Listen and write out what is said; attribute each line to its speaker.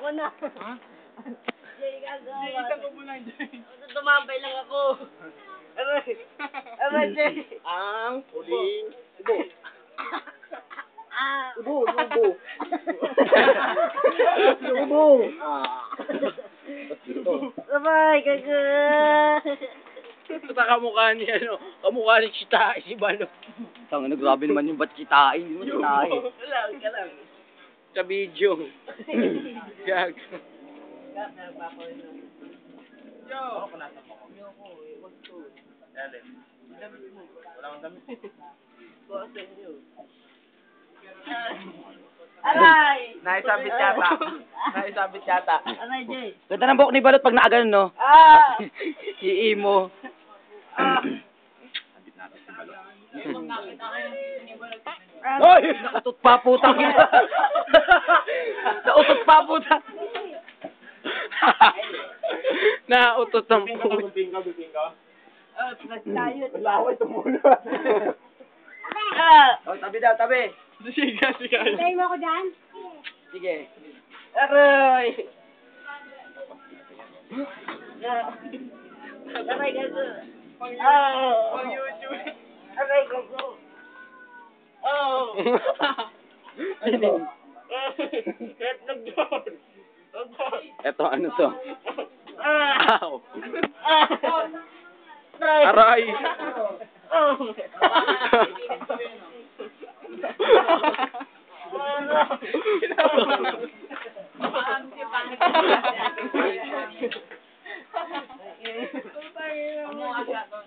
Speaker 1: Ako na.
Speaker 2: Ha?
Speaker 1: Jay, gagawa.
Speaker 2: Jay, isang ko muna, Jay.
Speaker 1: Tumambay lang ako. Aray. Aray, Jay.
Speaker 3: Ang huling ubo.
Speaker 1: Ah.
Speaker 3: Ubo, ubo. Ubo.
Speaker 1: Aray, gaga.
Speaker 3: Basta kamukha ni kamukha ni Chita, si Balo. Tangina, grabe naman yung ba't kitain, hindi mo kitain.
Speaker 1: Lang, ka lang.
Speaker 3: Sa video. Gag.
Speaker 2: Yo!
Speaker 1: Aray!
Speaker 3: Naisabit yata. Naisabit yata.
Speaker 1: Aray, Jay.
Speaker 3: Ganda ng buhok ni Balot pag nakaganon, no?
Speaker 1: Ah!
Speaker 3: Iimo. Hoy! Nautot pa putang ina. Nautot pa putang. Nautot ang puto.
Speaker 1: Nagtayo.
Speaker 3: Laway tumulo.
Speaker 1: Ah!
Speaker 3: Oh, tabi daw, tabi.
Speaker 2: Siga.
Speaker 1: Tayo mo ako dyan?
Speaker 3: Sige.
Speaker 1: Aray! Aray, gago. Ah!
Speaker 2: Pang YouTube.
Speaker 1: Aray, gago. Oh! Itlog doon.
Speaker 3: Eto, ano to?
Speaker 1: Ah!
Speaker 3: Ow.
Speaker 1: Ah!
Speaker 3: Aray.
Speaker 1: Oh!
Speaker 2: Kinabahan.